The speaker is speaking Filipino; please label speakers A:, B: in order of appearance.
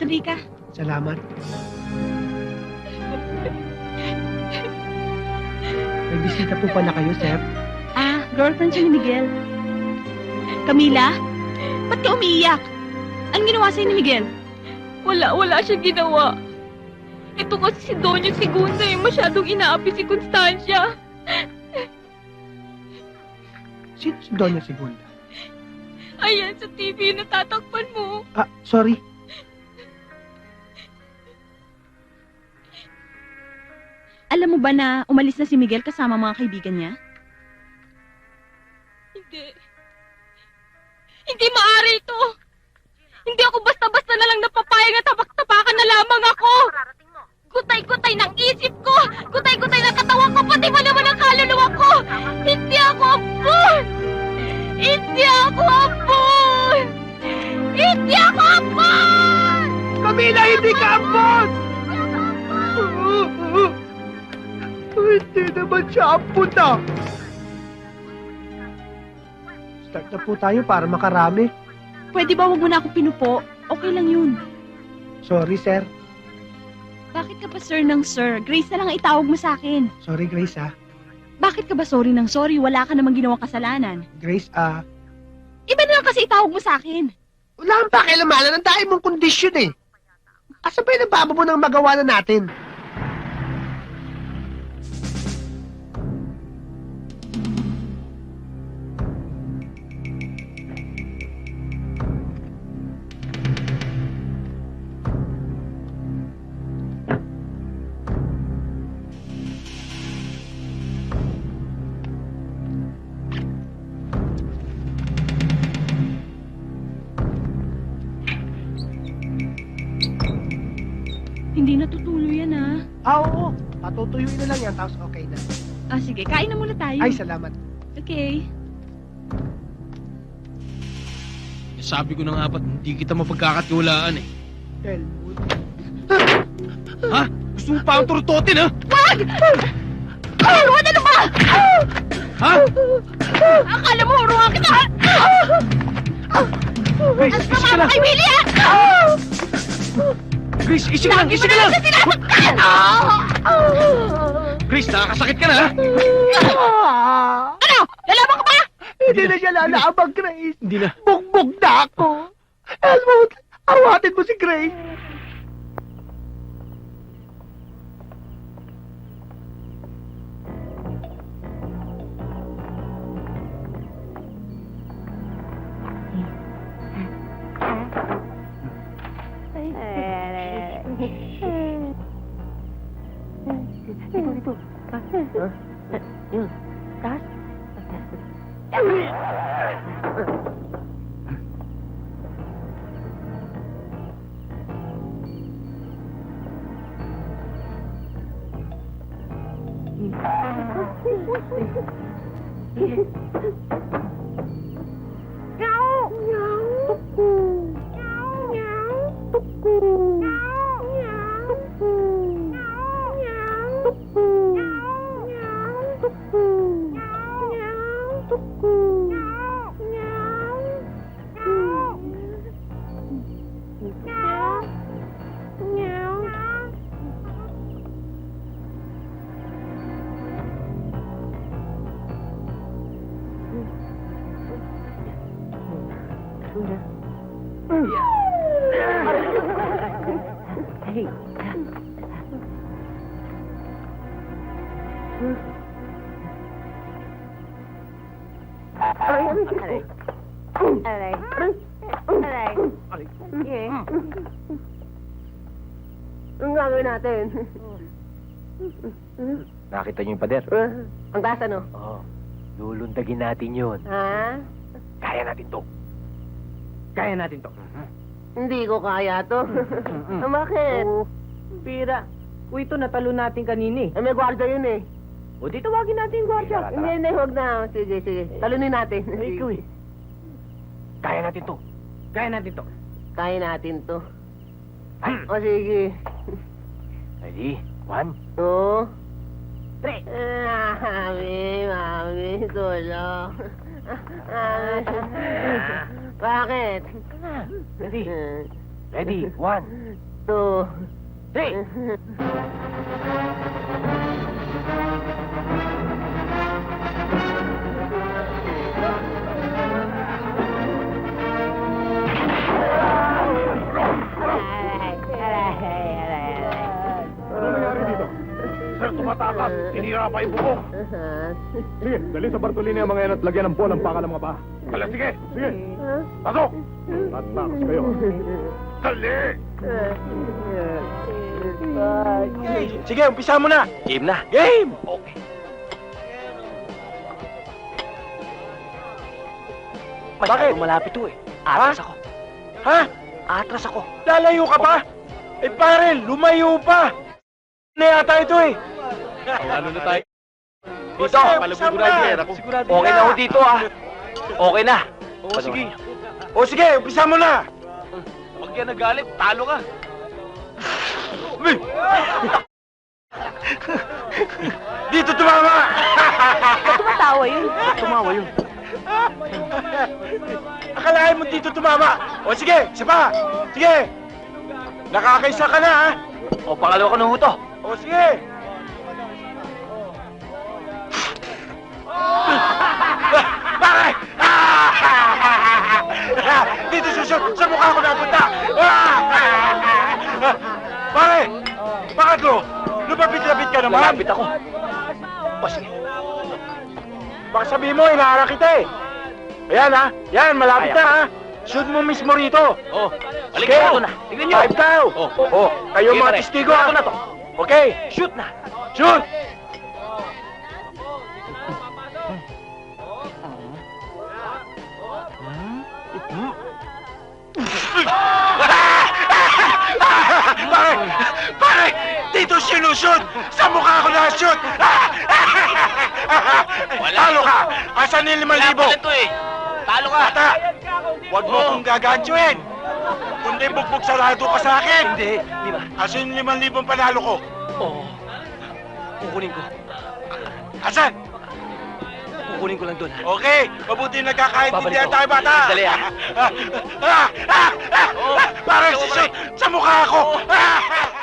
A: Halika.
B: Salamat. May bisita po pala kayo, sir.
A: Girlfriend siya ni Miguel. Camila? Ba't ka umiiyak? Anong ginawa sa'yo ni Miguel?
C: Wala siya ginawa. Ito kasi si Doña Segunda masyadong inaapi si Constancia.
B: Sino si Doña Segunda?
C: Ayan, sa TV yung natatakpan mo.
B: Sorry.
A: Alam mo ba na umalis na si Miguel kasama mga kaibigan niya?
C: Hindi maaari ito. Hindi ako basta-basta na lang napapayag na tapak-tapakan na lamang ako. Gutay-gutay ng isip ko. Gutay-gutay ng katawan ko. Pati ba naman ang kaluluwa ko. Hindi ako abon. Hindi ako abon. Hindi ako abon.
B: Camila, hindi ka ampon! Hindi naman siya ampon na. Start na po tayo para makarami.
A: Pwede ba wag mo na ako pinupo? Okay lang yun.
B: Sorry, sir.
A: Bakit ka pa sir ng sir? Grace na lang ang itawag mo sa akin.
B: Sorry, Grace,
A: Bakit ka ba sorry ng sorry? Wala ka namang ginawang kasalanan.
B: Grace,
A: Iba na lang kasi itawag mo sa akin.
B: wala ang pakilamanan. Ang dahil mong kondisyon eh. Asa ba yung nababa mo ng magawa na natin?
A: Hindi natutuloy yan
B: Oo. Patutuyuin na lang yan, tapos okay na.
A: Sige, kain na muna tayo.
B: Ay, salamat.
A: Okay.
D: Sabi ko na nga ba't hindi kita mapagkakatiwalaan eh.
B: Elwood.
D: Ha? Gusto mo pa ang turutotin ha?
A: Wag! Elwood, ano ba?
D: Ha?
A: Akala mo, huruan kita!
D: Grace,
A: Ang
D: isa ka
A: sama mo
D: lang!
A: kay Willie,
D: Grace, isa ka lang! Isa ka lang!
A: Sinasaktan!
D: Grace, nakakasakit ka na ha?
A: Ano? Lalaban ka ba?
B: Hindi na siya lalaabang, Grace.
D: Hindi na.
B: Bugbog na ako. Elwood, awatin mo si Grace.
E: Anong gagawin natin?
F: Nakita niyo yung pader?
E: Ang taas ano?
F: Oo. Lulundagin natin yun.
E: Ha?
F: Kaya natin to. Kaya natin to.
E: Hindi ko kaya to. Bakit?
G: Pira. Uy, ito natalo natin kanina
E: May gwardiya yun eh.
G: O di tawagin natin yung gwardiya.
F: Tara,
E: Hindi, huwag na. Sige, sige. Talunin natin.
G: Ay, ikaw eh.
F: Kaya natin to.
G: Kaya natin to.
E: Kaya natin to.
F: Ay.
E: O sige.
F: Ready? 1,
E: Oo.
F: 3.
E: Mami, tulong. Mami. Bakit?
F: Ready? Ready? 1,
E: 2,
F: 3.
H: Ano nangyari dito? Sir, tumatakas. Tinira pa yung bubong. Sige, dali sa Bartolini ang mga yan at lagyan ng bola ang paka ng mga baha. Hala, sige. Sige. Pasok. At takas kayo. Dali.
F: Sige, umpisa mo na. Game na. Game! Okay. Bakit? Malapit to eh. Atras ako. Ha? Atras ako. Lalayo ka pa? Eh pare, lumayo pa. Na yata ito eh.
D: Ano na tayo?
F: Dito, okay na ako dito ah. Okay na.
D: Oo, sige.
F: O sige, umpisa mo na.
D: Huwag yan nagalit, talo ka.
F: Dito tumama!
C: Tumatawa yun.
F: Tumawa yun. Akalain mo dito tumama. O sige, isa pa. Sige. Nakakaisa ka na ha. O pangalawa ko na huto. O sige. Bakit? Dito susot, sa mukha ko napunta. Pare, bakit lo? Lumapit-lapit ka naman. Lumapit ako. O sige. Baka sabihin mo, inaharap kita eh. Ayan ha, yan, malapit na ha. Shoot mo mismo rito.
D: Oh,
F: Sige, ito na. Tignan nyo. Five daw.
D: Oh.
F: Kayo
D: Sige,
F: mga
D: pare.
F: testigo ha.
D: Ito na to.
F: Okay, shoot na. Shoot! Pare! Dito sinushoot! Sa mukha ko na-shoot! Talo ka! Asan yung 5,000?
D: to eh. Talo ka.
F: Bata! Huwag mo akong gagantuin! Kundi bugbog sarado ka sa akin! Hindi, di ba? Asan yung 5,000 panalo ko?
D: Oo. Kukunin ko.
F: Asan?
D: Kukunin ko lang doon.
F: Okay, mabuti nagkakaintindihan
D: Babalik
F: tayo, bata!
D: Dali,
F: Parang sisot sa mukha ko!